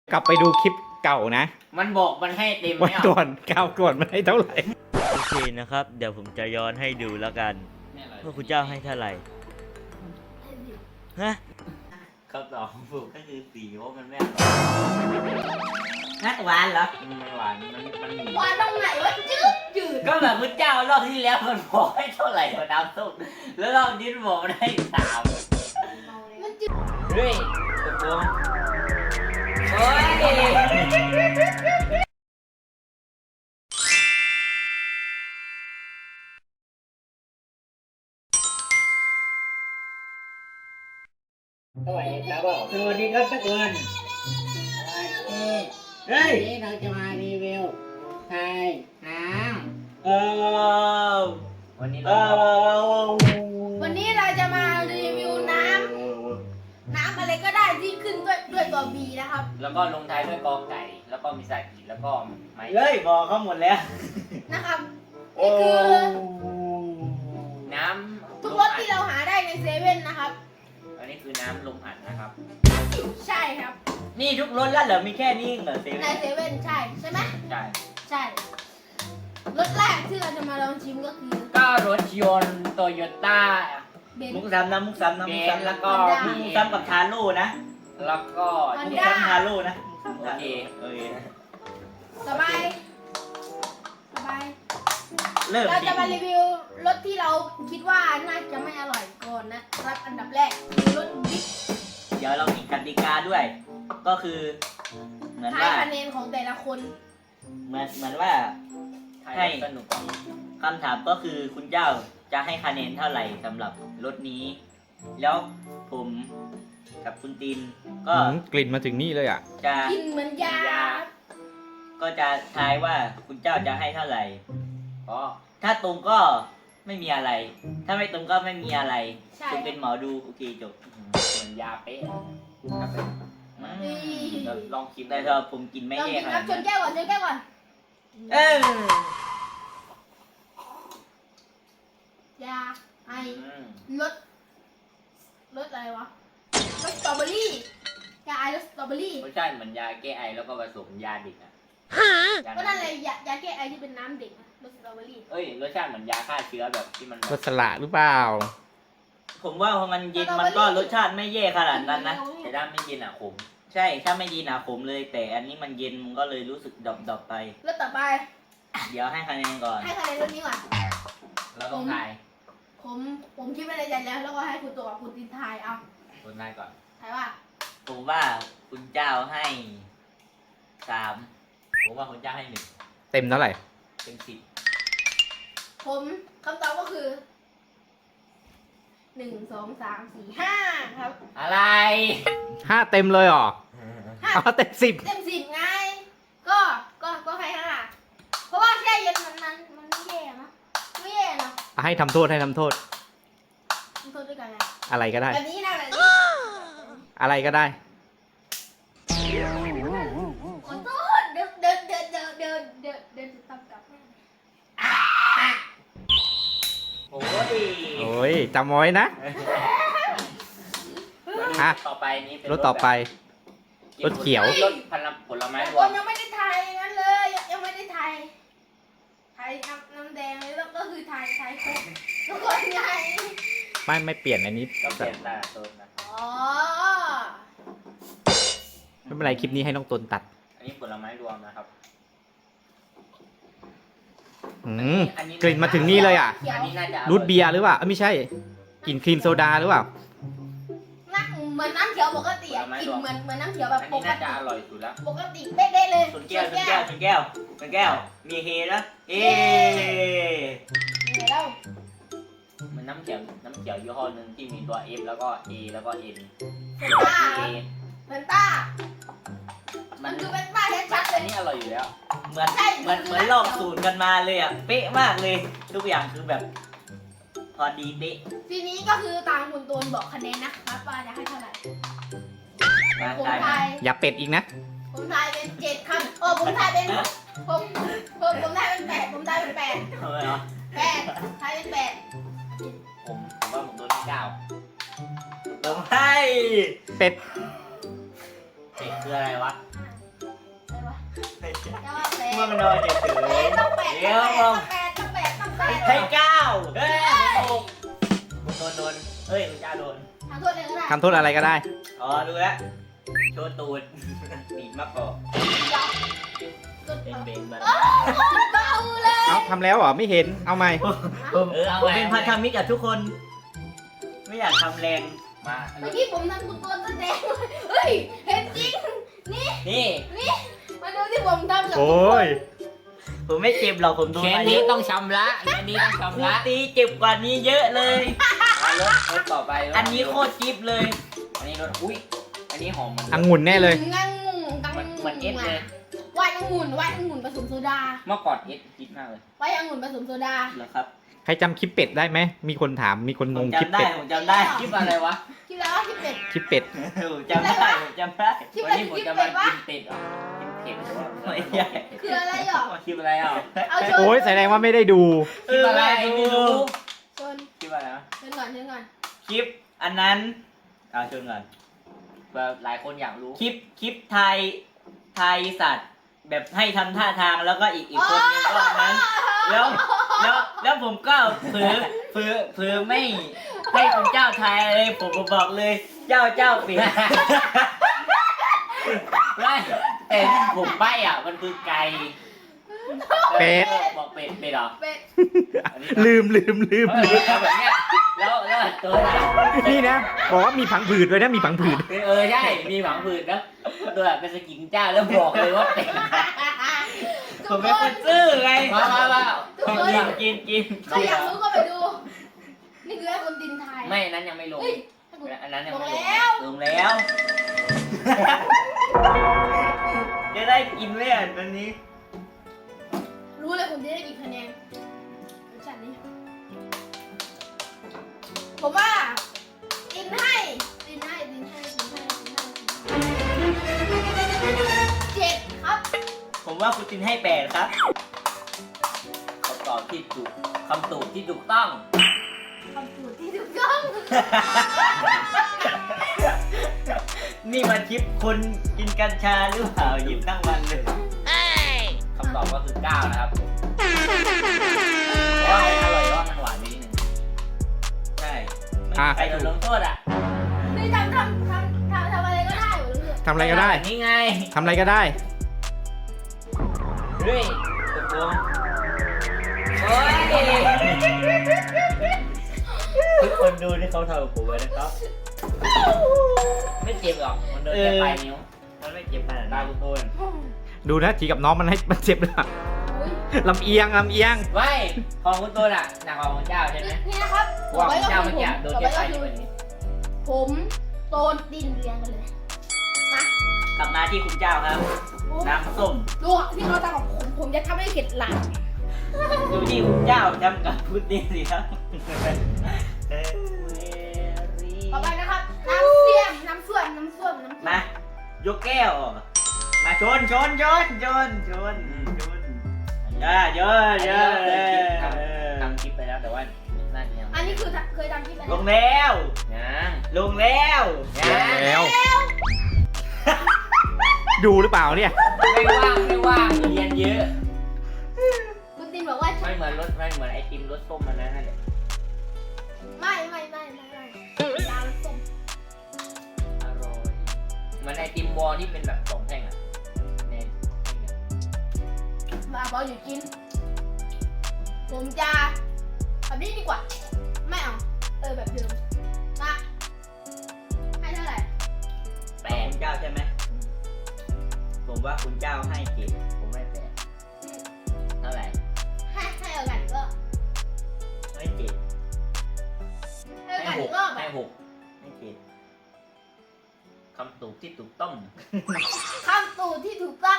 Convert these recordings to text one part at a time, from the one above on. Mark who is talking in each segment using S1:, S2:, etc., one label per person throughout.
S1: กลับไปดูคลิปเก่านะ
S2: มันบอกมันให้เต็ม
S1: วัน
S2: ไม่เอา
S1: ก่อนก้าวก่อนมันให้เท่าไหร่
S3: โอเคนะครับ เดี๋ยวผมจะย้อนให้ดูแล้วกันว่าคุณเจ้าให้เท่าไหร่ฮะคำตอบของผมก็คือสีเพราะมันไม่อร่อย
S2: นักหวานเหรอ
S3: มันหวานมันหนี
S4: หวานตรงไหนวะจืด
S2: ก็แบบคุณเจ้ารอบที่แล้วมันบอกให้เท่าไหร่กับน้ำส้มแล้วรอบนี้มันบอกมันให้3
S4: มันจืด
S2: เฮ้ยตกลงโอ้ย
S5: สวัสดีครับผม
S2: สวัสดีครับทุกคน
S5: เฮ้ยวันนี้เราจะมารีวิวไทยน้
S2: วันนี้
S5: ำ
S2: เรา
S4: วันนี้เราจะมารีวิวน้ำอะไรก็ได้ที่ขึ้นด้วยตัว B นะครับ
S2: แล้วก็ลงท้ายด้วยกอไก่ แล้วก็มีสากิแล้วก็ไม้
S3: เฮ้ยบอกเขาหมดแล้ว
S4: นะครับนี่คือ
S2: น้ำ
S4: ทุกรสที่เราหาได้ในเซเว่นนะครับ
S2: อันนี้คือน้ำลมอัดนะครับ
S4: ใช่ครับ
S3: นี่ทุกรสแล้วเหรอมีแค่นี้เหรอเซ
S4: ใน
S3: เว่น
S4: เซเว่นใช่ไหม
S2: ใช่
S4: ใช่รสแรกที่เราจะมาลองชิมก็คือ
S2: ก็รถยนต์โตโยต้า
S4: เบน
S3: มุกซ้ำนะมุกซ้ำนะ
S2: เบ
S3: มุก
S2: น
S3: ซ้ำ
S2: แล้วก็
S4: Honda
S3: มุกซ้ำกับทาโร่นะ
S2: แล้วก็
S4: Honda
S3: มุกซ้ำทาโร่นะ
S2: โอเค
S3: โอเค
S4: สบายสบาย
S3: เริ่ม
S4: เราจะมารีวิวรสที่เราคิดว่าน่าจะไม่อร่อยก่อนนะครับอันดับแรกคือรสบิ๊ก
S3: เดี๋ยวเรามีกติกาด้วย ก็คือเหมือน
S4: ทาย
S3: ว่า
S4: คะแนนของแต่ละคน
S3: เหมือนว่า
S2: ให้สนุกกว่า
S3: คำถามก็คือคุณเจ้าจะให้คะแนนเท่าไหร่สำหรับรถนี้ แล้วผมกับคุณตินก็
S1: กลิ่นมาถึงนี่เลยอ่ะ
S3: จะ
S4: กินเหมือนยา
S3: ก็จะทายว่าคุณเจ้าจะให้เท่าไหร่
S2: ก็
S3: ถ้าตรงก็ไม่มีอะไร ถ้าไม่ตรงก็ไม่มีอะไร
S4: ใช่
S3: คุณเป็นหมอดูโอเคจบ
S2: เหมือนยาเป๊ะ
S4: นี่
S2: เราลองคิด
S3: แต่
S2: ได้
S3: ถ้าผมกินไม่
S4: ลอง
S3: แย่
S4: กิน
S3: ข
S4: ครั
S3: นา
S4: บ
S3: ด
S4: ช
S3: นั้น น
S4: แก้วก่อนชนแก้วก่อน
S3: เออย
S4: าไอ
S2: อืม
S4: รสอะไรวะรสสตรอเบอรี่ยาไอรสสตรอเบอรี่
S2: รสชาติเหมือนยาแก้ไอแล้วก็ผสมยาเด็กอะยา
S4: ก็นั่นเลยยาแก้ไอที่เป็นน้ำเด็กนะรสสตรอเบอรี่
S2: เอ้ยรสชาติเหมือนยาฆ่าเชื้อแบบที่มันแบ
S1: ร
S2: บ
S1: สละหรือเปล่า
S3: ผมว่าพอมันเย็นมันก็รสชาติไม่แย่ขนาดนั้นนะ
S2: แต่ถ้าไม่กินอ่ะขม
S3: ใช่ถ้าไม่เย็นขมเลย แต่อันนี้มันเย็นมันก็เลยรู้สึกดรอปๆไป
S4: รสต่อไป
S3: เดี๋ยวให้คะแนนก่อน
S4: ให้คะแนนรสนี้ก่อน
S2: แล้วต้องทาย
S4: ผมคิดไว้ในใจแล้วก็ให้คุณตัวกับคุณตินทายเอา
S2: คนทายก่อน
S4: ทายว่า
S3: ผมว่าคุณเจ้าให้3
S2: ผมว่าคนจ้างให้1
S1: เต็มเท่าไหร่
S2: เต็ม10
S4: ผมคำตอบก็คือ1 2 3 4 5ครับ
S2: อะไร
S1: 5 เต็มเลยเหรอ
S4: ห้า
S1: เอาเต็ม 10
S4: เต็ม10ไงก็ให้5เพราะว่าแช่เย็นมันไม่แย่นะไม่แย่นะ
S1: ให้ทำโทษให้ทำโทษ
S4: ทำโทษด้วยกันไง
S1: อะไรก็ได้
S4: แบบนี้นะแบบนี้
S1: อะไรก็ได้
S4: ขอโทษเดินตับกลับแม่
S2: โอ้ย
S1: โอ้ยจำไว้นะ อ่ะ
S2: ต่อไปนี้เป็น
S1: รถต่อไป
S2: แบบ
S1: รถเขียว
S2: รถผลไม้
S4: แต่
S2: ร
S4: คว
S2: ม
S4: นยังไม่ได้ทายงั้นเลยยังไม่ได้ทายน้ำแดงแล้วก็คือทายครบทุกคนไง
S1: ไม่เปลี่ยนอันนี้
S2: ก็เปลี่ยนแต่ต้นนะ
S4: อ๋อ
S1: ไม่เป็นไรคลิปนี้ให้น้องตนตัด
S2: อันนี้ผลไม้รวมนะครับ
S1: อืมกลิ่นมาถึงนี่เลยอ่ะ
S2: อันนี้น่าจะออย
S1: รูทเบียร์หรือเปล่าไม่ใช่ กลิ่นครีมโซดาหรือเปล่า
S4: น่าเหมือนน้ำเขียวปกติอะกลินเหมือนน้ำเขียวแบบ
S2: อัน
S4: ป
S2: นี้
S4: ก
S2: น่าจะ
S4: ติ
S2: อร่อยสุดแล้ว
S4: ปกติเป๊ะๆเลย
S3: ชนแก้วมีเฮนะเอ๊
S4: เนี่ยแล้ว
S2: มันน้ำเขียวยี่ห้อหนึ่งที่มีตัว F แล้วก็ A แล้วก็ N
S4: เฟนต้า
S2: A
S4: เฟนต้า
S2: มั
S4: มัน นคือเฟนต้าชัดๆเล
S2: อั
S4: ย
S2: นนี้อร่อยอยู่แล้ว
S3: เหมือนลอกสูตรกันมาเลยอ่ะเป๊ะมากเลย ทุกอย่างคือแบบ พอดีเป๊ะ
S4: ทีนี้ก็คือตามคุณตูนบอกคะแนนนะครับว่าจะให้เท่าไหร่
S3: มา
S4: ผม
S3: ได้
S4: ทาย
S1: อย่าเป็ดอีกนะ
S4: ผมทายเป็น7ครับผมทายเป็นผมทายเป็น8ผมทายเป็น8
S3: ทำไมเหรอ
S4: ทายเป็น8
S2: ผมว่าผมโดนที่9
S3: ต้องให้
S1: เป็ด
S2: เจ็ดคืออะไรวะ
S4: จะว่าแปด
S3: มันนอนเฉย
S4: ต้องแปด
S3: เดี๋ยว
S4: ต้องแปดต้องแปดต้องแปด
S3: ให้เก้าเฮ้ยคุณโดนเฮ้ยคุณเจ้าโดน
S4: ทำโทษเลยก็ได้
S1: ทำโทษอะไรก็ได้
S3: อ๋อรู้แล้วโชว์ตูดบีบมากกว่า
S4: สุด
S3: เป็นเบนมา
S4: เบาเลย
S1: เอาทำแล้วเหรอไม่เห็นเอาใหม่
S3: ผมเป็นพันธมิตรกับทุกคน ไม่อยากทำแรงมา
S4: เมื่อกี้ผมทำคุณตัวแสดงเฮ้ยเห็นจริง
S3: นี่
S4: มาดูที่ผมทำกับ
S1: โอ้ย
S3: ผมไม่เจ็บหรอกผมโดน
S2: แค่
S3: มาเย
S2: นี้
S3: อะ
S2: ต้องชำระแค่นี้ต้อง
S3: ครู
S2: ชำระ
S3: ตีเจ็บกว่านี้เยอะเลย
S2: รถต่อไป
S3: อันนี้โคตรจิ๊บเลย
S2: อันนี้รถอุ้ยอันนี้หอมมัน
S1: องุ่นแน่เลย
S4: งังงกัง
S2: เหมือนเอสเลย
S4: วายองุ่นผสมโซดา
S2: เมื่อก่อนเอสคิดมากเลย
S4: วายองุ่นผสมโซดา
S3: เหรอครับ
S1: ใครจำคลิปเป็ดได้ไหมมีคนถามมีคน
S3: ผ
S1: ง
S3: ม
S1: งคลิป
S3: จำได้
S1: เป็ด
S3: ผมจำได้
S2: คิดอะไรวะ
S4: คิดแล้วว่าคิดเป็ด
S1: คลิปเป็ด
S3: ผมจำได้ผมจำได้
S4: คิด
S2: วัน
S4: เป็ด
S2: นี้ผม
S4: คิด
S2: จะ
S4: เป็
S2: มา
S4: ดวะ
S2: กินเป็ดเหรอกินเผ็ดหรือว่า
S3: ไม่ใช่
S4: คืออะไรหรอ
S3: คลิปอะไรอ่ะ
S4: เอาชน
S1: โอ้ยแสดงว่าไม่ได้ดู
S2: คิดอะไรไม่รู้
S4: ชน
S2: คิดอะไรนะ
S4: ชนก่อนชนก่อน
S3: คลิปอันนั้นเอาชนก่อน
S2: แบบหลายคนอยากรู้
S3: คลิปไทยสัตว์ แบบให้ทำท่าทางแล้วก็อีกคนนึงก็อันนั้น แล้วผมก็เผลอไม่ให้คุณเจ้าทายเลยผมบอกเลยเจ้าปิด
S2: ไม่แต่ผมใบ้อ่ะมันคือไก่
S1: เป็ด
S2: บอกเป็ดเป็ดเหรอ
S4: เป็ด
S2: อันนี้
S1: ลืม
S2: แบบเนี้ยแล้วตัวนะ
S1: นี่นะ บอกว่ามีผังผืดด้วยนะมีผังผืด
S2: ใช่มีหวังผืนนะตัวแบบเป็นสกินเจ้าแล้วบอกเลยว่าเป็ด
S3: ผมเป็นคนซื่อไง
S2: มา
S3: กิน
S4: ใครอยากรู้ก็ไปดู นี่คือให้คนดินไทย
S2: ไม่นั้นยังไม่ลง
S4: เฮ้ย
S2: อันนั้นยัง
S4: ลง
S2: ไม่ลง
S4: แล้ว
S3: ลงแล้ว จะได้กินไหมอ่ะวันนี้
S4: รู้เลยคุณจะได้กี่คะแนนรสชาตินี้ผมว่าดินให้เจ็ดครับ
S3: ผมว่าคุณจินให้8ครับ
S2: คำตอบที่ถูกคำตอบที่ถูกต้อง
S4: คำสูตรที่ถูกต้อง
S3: นี่มันคลิปคนกินกัญชาหรือเปล่าหยิบทั้งวันเลย
S2: คำตอบก็คือ9นะครับเพราะว่ามันอร่อยเพราะว่ามันหวานนิดนึง
S3: ใช่
S1: อ่ะ
S3: ใครโดนลงโทษอ่ะ
S4: นี่ทำอะไรก็ได้หมดเลย
S1: ทำอะไรก็ได้
S3: นี่ไง
S1: ทำอะไรก็ได้
S2: เฮ้ย
S3: ตกลง
S2: โอ้ย
S3: ทุกคนดูที่เขาทำกับผมไว้นะครับ
S2: ไม่เจ็บหรอกมันโดนแค่ปลายนิ้ว
S3: มันไม่เจ็บขนาด
S2: ตา
S3: นั้น
S2: คุณโดน
S1: ดูนะทีกับน้องมันให้มันเจ็บเลยอะ
S4: อุ้ย
S1: ลำเอียง
S2: ไม่ของคุณโดนอ่ะหนักกว่าของเจ้าใช่ไหม
S4: นี่นะครับ
S2: ว่าของเจ้าเมื่อกี้โดนแค่ปลายนิ้วแบบนี้
S4: ผมโดนดินเรียงกันเลยมาก
S3: ลับมาที่คุณเจ้าครับ น้ำส้ม
S4: ดูที่เขาทำกับผมจะทำให้เข็ดหลัง
S3: ดูที่คุณเจ้าทำกับพุดดิ้งสิครับ
S4: ต่อไปนะครับ น้ำเสียมน้ำส้วม
S3: มายกแก้วออกมาชนอย่าเยอะ
S2: ทำคลิปไปแล้วแต่ว่านั่นยัง
S4: อันนี้คือเคยทำที่ไหน
S3: ลงแล้ว
S2: ยัง
S3: ลงแล้ว
S1: แล้ว ดูหรือเปล่าเนี่ย
S2: ไม่ว่างเรียนเยอะ
S4: คุณตินบอกว่า
S2: ไม่เหมือนไอติมรสส้มมันนั่นแหละ
S4: ไม่ยาวส้ม
S2: อร่อยเหมือนไอติมวอลที่เป็นแบบ2แท่งอ่ะใน
S4: มาบอกอยู่กิน ผมจะแบบนี้ดีกว่า ไม่เอาแบบเดิมมาให้เท่าไหร่
S3: แต่คุณเจ้าใช่ไหมผมว่าคุณเจ้าให้เจ็ดผมให้8
S2: เท่าไหร่
S4: ให้เอากันก็
S3: ให้เจ็ด
S4: ให้เอา
S2: ให้
S4: กัน
S2: หก
S4: ก็
S2: ให้หก
S3: ให้เจ็ด
S2: คำตอบที่ถูกต้อง
S4: คำตูที่ถูกต้อง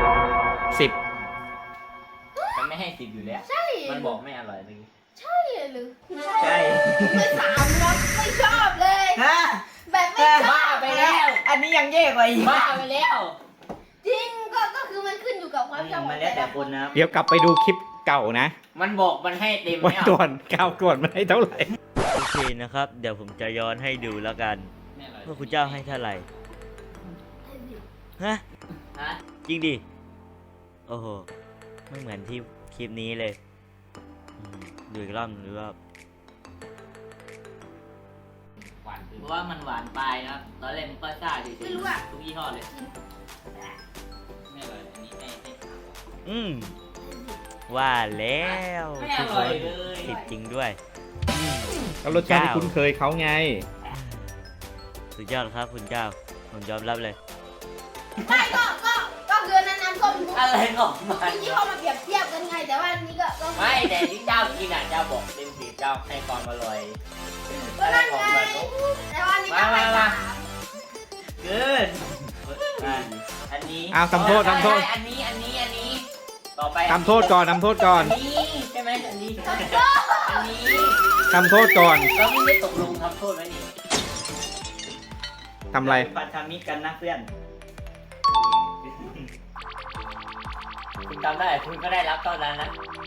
S1: 10
S2: มันไม่ให้10อยู่แล้ว
S4: ใช่
S2: มันบอกไม่อร่อยเมื่อกี้
S4: ใช่หรือ
S3: ใช่
S4: ไม่สามครับไม่ชอบเลย
S3: ฮะ
S4: แบบไม่ชอบ
S2: บ้าไปแล้ว
S3: อันนี้ยังแย่กว่าอีก
S2: บ้าไปแล้ว
S4: จริงก็คือมันขึ้นอยู่กับความชอบข
S3: มั
S4: อน ง
S3: แล้วแต่
S4: แต่ละ
S3: คนนะครับ
S1: เดี๋ยวกลับไปดูคลิปเก่านะ
S2: มันบอกมันให้เต็ม
S1: วัน
S2: ไม่เอา
S1: ก่อนก้าวก่อนมันให้เท่าไหร่
S3: โอเคนะครับ เดี๋ยวผมจะย้อนให้ดูแล้วกัน
S2: ไม่อร่อย
S3: ว่าคุณเจ้าให้เท่าไหร่ฮะ
S2: ฮะ
S3: จริงดิโอ้โหไม่เหมือนที่คลิปนี้เลยดูอีกรอบหรือว่า
S2: หวานคือ
S3: เพราะว่ามันหวานปลายนะครับตอนแรกมันก็ซ่าดี
S4: ไม่รู้อะ
S3: ทุกยี่ห้อเลย
S2: ไม่อร่อยอันนี้ให้
S3: ว่าแล้ว
S2: ไม่อร่อยเลย
S3: ผิดจริงด้วย
S1: แล้วรสชาติที่คุ้นเคยเขาไง
S3: สุดยอดครับคุณเจ้าผมยอมรับเลย
S4: ไม่ก็คือนั้นน้ำส้มทุก
S2: อะไรของมัน
S4: ที่เขามาเปรียบเทียบกันไง แต่ว่าอันนี้ก็
S2: ไม่แต่ที่เจ้ากินอ่ะเจ้าบอกเต็มสิบเจ้าให้ความอร่อย
S4: ก็นั่นไงแต่ว่าอันนี้ก็ไม่
S2: มา
S4: ถาม
S3: เกินอันนี้
S1: อ้าวทำโทษ
S2: อันนี้ต่อไป
S1: ทำโทษก่อนทำโทษก่อน
S2: อันนี้ใช่ไหมอันนี้อันนี้
S1: ทำโทษก่อน
S2: เราไม่ได้ตกลงทำโทษไหมนี่
S1: ทำอะไร
S3: พันธมิตรกันนะเพื่อน
S2: คุณทำได้คุณก็ได้รับเท่านั้นนะ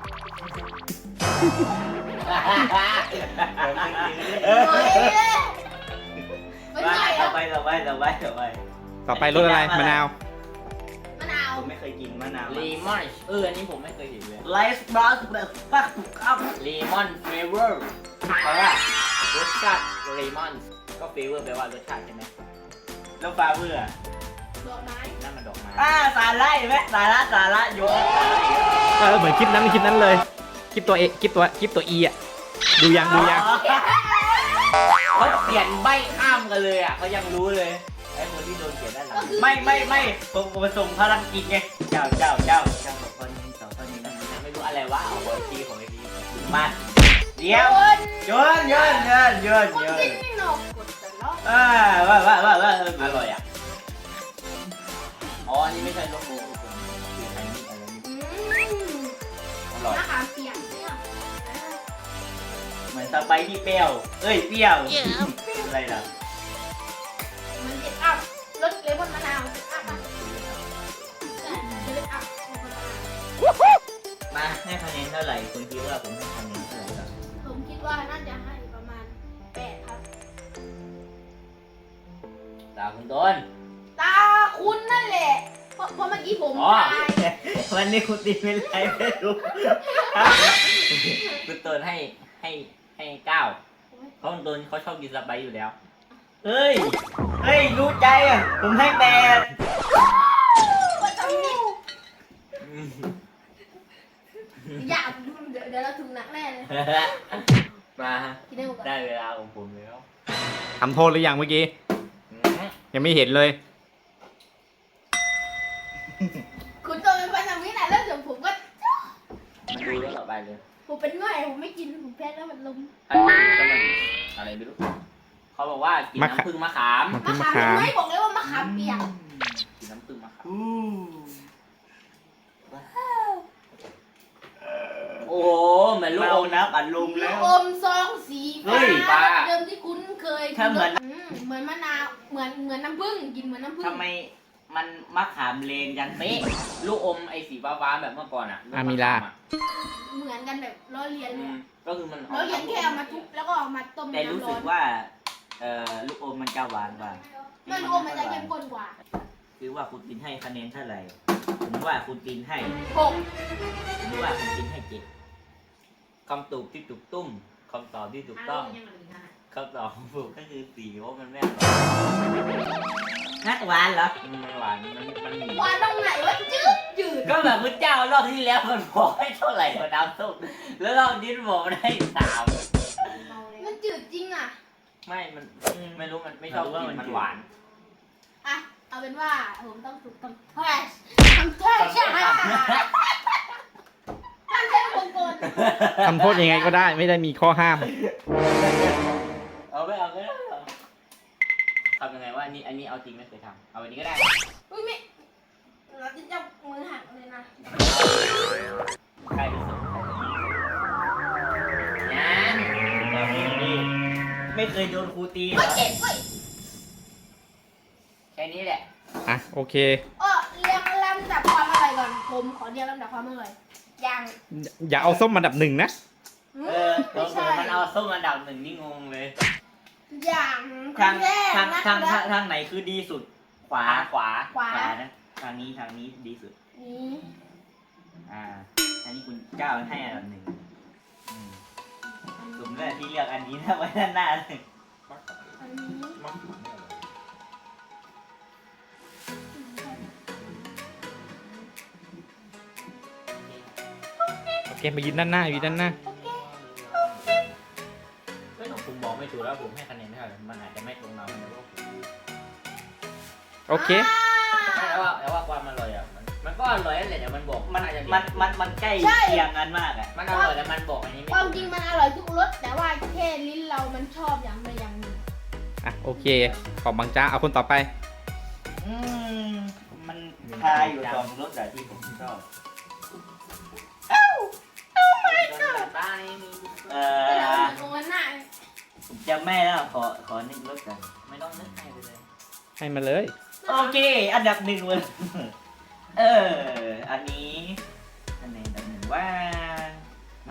S4: มันใหญ่
S3: ต่อ
S4: อะ
S3: ไป
S1: ต่อไปรสอะไรมะนาว
S4: มะนาว
S3: ผมไม่เคยกินมะนาว
S2: เลมอนอันนี้ผมไม่เคยเห็นเลย
S3: ไลฟ์บลัสแบบปักตุกอัพ
S2: เลมอนเฟเวอร์เพราะว่ารสชาติเลมอนก็เฟเวอร์แปลว่ารสชาติใช่ไหม
S3: แล้วปลาเบื่อ
S4: ดอกไม้
S2: นั่นมันดอกไม้
S3: สาระเห็นไหมสาระโยนสาระอีกแล้ว
S1: เหมือนคลิปนั้นเลย คลิปตัวเอคลิปตัวอีอ่ะ ดูยัง
S3: อ๋อ
S2: เขาเขียนใบข้ามกันเลยอ่ะเขายังรู้เลยไอ้คนที่โดนเขียนด้านหลัง
S3: ไม่ผมส่งพลังกิจไงเจ้าสองคนนี้นะ
S2: ไม่รู้อะไรวะเอาไว้ทีของไอ้ดี
S3: มาเดี๋ยวโยน
S4: คนกินไม่หนอกกดแต่ละ
S3: ว่า
S2: อร่อยอ่ะอ๋ออันนี้ไม่ใช่โลโก้คือไทนี่อะไรนี่อร่อย
S4: มะขามเปียกเนี่ย
S3: เหมือนสไปที่เปรี้ยวเปรี้ยวอะไรล่ะ
S4: มันเจ็ดอัพรสเลมอนมะนาวเจ็ดอัพอ่ะใช่เจ็ดอัพเลมอนมะนาว
S3: มาให้คะแนนเท่าไหร่คุณคิดว่าผมให้คะแนนเท่าไหร่ครับ
S4: ผมคิดว่าน่าจะให้ประมาณ8ครับ
S2: ตาคุณต้น
S4: ตาคุณนั่นแหละ เพราะเมื่อกี้ผม
S2: อ๋อ
S4: ทาย
S3: วันนี้คุณตีเป็นไรไม่รู้
S2: คุณต้นให้9เพราะคุณต้นเขาชอบกินสไปซ์อยู่แล้ว
S3: เฮ้ยรู้ใจอ่ะผมให้8
S4: ว่าจะมีอยากเดี๋ยวเราถึงหนักแน่เลย
S2: มา
S4: กินได้หมดก่อน
S2: ได้เวลาของผมแล้ว
S1: ทำโทษหรือยังเมื่อกี้ ยังไม่เห็นเลย
S4: คุณโตเป็นพันธมิตรนะแล้วเดี๋ยวผมก็
S2: มาดูแล้วต่อไปเลย
S4: ผมเป็นง่อยผมไม่กินผมแพ้แล้วมันลม
S2: อันนี้ก็มันอะไรไม่รู้เขาบอกว่ากินน้ำผึ้งมะขาม
S1: มะ
S4: มะขามไม่บอกเลยว่ามะขามเปียก
S2: กินน้ำผึ้งมะขาม โอ้โหเหมือนลูก
S3: มา
S2: อ
S3: เอา
S2: ม
S3: น้ำอัดลม
S4: ลู
S3: แล้
S4: ก
S3: ว
S4: อมซองสี
S2: เฮ้
S4: ฟ้าย
S2: ฟ้า
S4: เดิมที่คุ้นเคย
S3: ถ้าเหมือน
S4: เหมือนมะนาวเหมือนน้ำผึ้งกินเหมือนน้ำผึ้ง
S3: ทำไมมันมะขามเลนยัน
S2: เป๊ะลูกอมไอ้สีฟ้าๆแบบเมื่อก่อนอ่ะ
S1: อามิล่า
S4: เหมือนกันแบบล้อเลียน
S2: อื
S4: เลย
S2: มก็คือมัน
S4: ล้อเลียนแค่เอามาทุบแล้วก็เอามาต้ม
S3: แต่รู้
S4: น้ำร้
S3: สึ
S4: อก น
S3: ว่าลูกอมมันจะหวานกว่า
S4: ไม่รู้ว่ามันจะเข้มข้นกว่า
S3: คือว่าคุณตินให้คะแนนเท่าไหร่ผมว่าคุณตินให้
S4: 6
S3: ผมว่าคุณตินให้7คำตอบที่ถูกตุ้มคำตอบที่ถูกต้องคำตอบของผมก็คือ4เพราะมันไม่อร่อยนัดหวานเหรอ
S2: มันหวานมันหนี
S4: หวานตรงไหนวะจืด
S2: ก็แบบคุณเจ้ารอบที่แล้วมันบอกให้เท่าไหร่กว่าน้ำส้มแล้วรอบนี้บอกมันให้3
S4: มันจืดจริงอ่ะ
S2: ไม่มันไม่รู้มันไม่ชอบกินมันหวาน
S4: อ่ะเอาเป็นว่าผมต้องถูกทำแทชทำแทชใช่ไหมทำแทชวงกล
S1: ทำโทษยังไงก็ได้ ไม่ได้มีข้อห้าม
S2: เอาไม่เอาก็ได้ทำยังไงว่าอันนี้เอาจริงไม่เคยทำเอาอันนี้ก็ได้
S4: อุ้ยไม่เราจะจับมือหักเลยนะ
S2: ใครที่สุดงั้น
S3: ไม่เคยโดนครูตีเหร
S4: เฮ้ย
S3: อ
S4: เจ็บเว้ย
S2: แค่นี้แหละ
S1: อ่ะ โอเค
S4: เรียงลำดับความอร่อยก่อนผมขอเรียงลำดับความอร่อยอย่าง
S1: อย่าเอาส้มมาดับหนึ่งนะ
S4: ไม่ใช่
S2: มันเอาส้มอันดับ1นี่งงเลย
S4: อย่าง
S3: ทาง
S4: แรก
S3: ทาง
S4: นะ
S3: ทางทางทางไหนคือดีสุด ขวา
S2: ขวา
S4: ขวา
S3: นะทางนี้ดีสุด
S4: นี่
S3: อันนี้คุณเจ้าให้อันดับหนึ่งสมเลยที่เลือกอันนี้นะไว้ด้านหน้าเลย
S4: อันนี้
S1: โอเคมายืนด้านหน้ายืนด้านหน้า
S2: ไม่ต้องผมบอกไม่ถูกแล้วผมให้คะแนนเท่าไหร่มันอาจจะไม่ตรงเรามันจะว่า
S1: โอเค
S2: แต่ว่าความอร่อยอ่ะมันก็อร่อยนั่นแหละแต่มันบอก
S3: มัน
S2: อาจจะ
S3: มันใกล้เคียงกันมากอ่ะ
S2: มันอร่อยแต่มันบอกอันนี้ไม่
S4: ความจริงมันอร่อยทุกรสแต่ว่าแค่ลิ้นเรามันชอบอย่างใดอย่างหนึ่ง
S1: อ่ะโอเค ของบางจ้าเอาคนต่อไป
S3: มันทายอยู่สองรสแต่ที่ผมชอบ
S2: บ้านนี้มี
S4: แต่เราโอนหน้า
S3: ผมจำไม่แล้วขอนึกรสกัน
S2: ไม่ต้องนึกให้ไปเลย
S1: ให้มาเลย
S3: โอเค อันดับหนึ่งเลยอันนี้อันไหนอันดับหนึ่งว่าเอา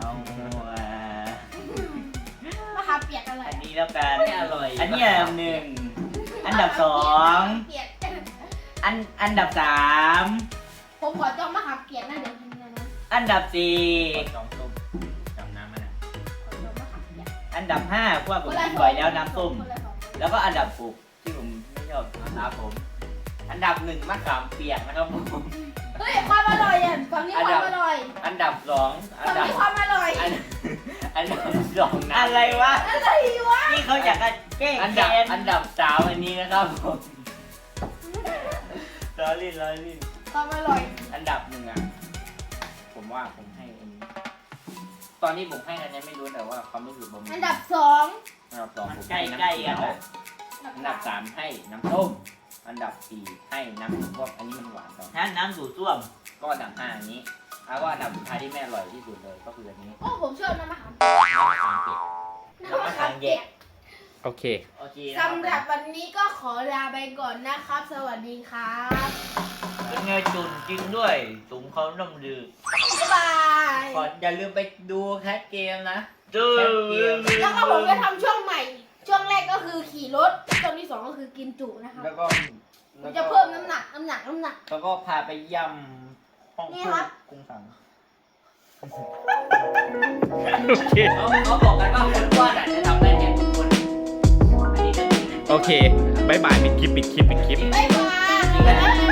S4: มะขามเปียกอะไร
S3: อันนี้แล้วกัน
S2: ไม่อร่อย
S3: อันนี้อันดับหนึ่งอันดับสอง
S4: เปียก
S3: อันดับสาม
S4: ผมขอจองมะขามเปียกนะเดี๋ยวกินนะนะ
S3: อันดับสี่
S2: จองส้มจำน้ำมันอ่ะ
S4: ขอจองมะขามเปียก
S3: อันดับห้าเพราะว่าผมกินบ่อยแล้วน้ำส้ม
S4: คนละสอง
S3: แล้วก็อันดับหกที่ผมไม่ชอบนะครับผม
S2: อันดับหนึ่งมะขามเปียกนะครับผม
S4: เฮ้ยความอร่อยอ่ะฝั่งนี้ความอร่อย
S2: อันดับสองอัน
S4: ฝั่ง
S2: ดับ
S4: นี้ความอร่อย
S2: อันดับสองน้ำ
S3: อะไรวะ
S4: อะไรวะ
S3: นี่เขาอยากจะแกล้ง
S2: อัน
S3: แก
S2: ดับ
S3: น
S2: อันดับสามอันนี้นะครับผม
S3: ล้อเล่นล้อเล่น
S4: ความอร่อย
S2: อันดับหนึ่งอ่ะผมว่าผมให้อันนี้ตอนนี้ผมให้อันนี้ไม่รู้แต่ว่าความรู้สึกผม
S4: อันดับสอง
S2: อันดับสอง
S3: มัน
S2: ผม
S3: ใกล้
S2: ให้
S3: ใกล้
S2: น้ำ
S3: กัน
S2: เขียว
S3: อะ
S2: อันดับสามให้น้ำส้มอันดับสี่ให้น้ำพวกอันนี้มันหวานก่อน
S3: น้ำสูตรส้วม
S2: ก็อันดับห้าอันนี้เอาว่าอันดับสุดท้ายที่ไม่อร่อยที่สุดเลยก็คืออันนี้
S4: โอ้ผมชอบน้ำมะขาม
S2: น้ำมะขามเปียก
S4: น้ำมะขามเปียก
S1: โอเค
S2: โอเค
S4: สำหรับวันนี้ก็ขอลาไปก่อนนะครับ สวัสดีครับ
S3: เป็นไงจุนจริงด้วยสูงเขาน้ำดือ
S4: บ๊ายบาย
S2: ก่อนอย่าลืมไปดูแคทเกมนะ
S3: จืด
S4: แล้วก็ผมจะทำช่วงใหม่ ช่วงแรกก็คือขี่รถ ช่วงที่สองก็คือกินจุนะครับ
S2: แล้วก็
S4: ผมจะเพิ่มน้ำหนัก
S2: แล้วก็พาไปย่ำห้อง
S4: นี่ครับ
S2: กุ้งสัง
S1: โอเค
S2: เขาบอกกันว่าคนอ้วนอ่ะจะทำได้แค่ทุกคนอันนี้ก็จริงนะ
S1: โอเคบายบายปิดคลิป
S4: บ๊ายบาย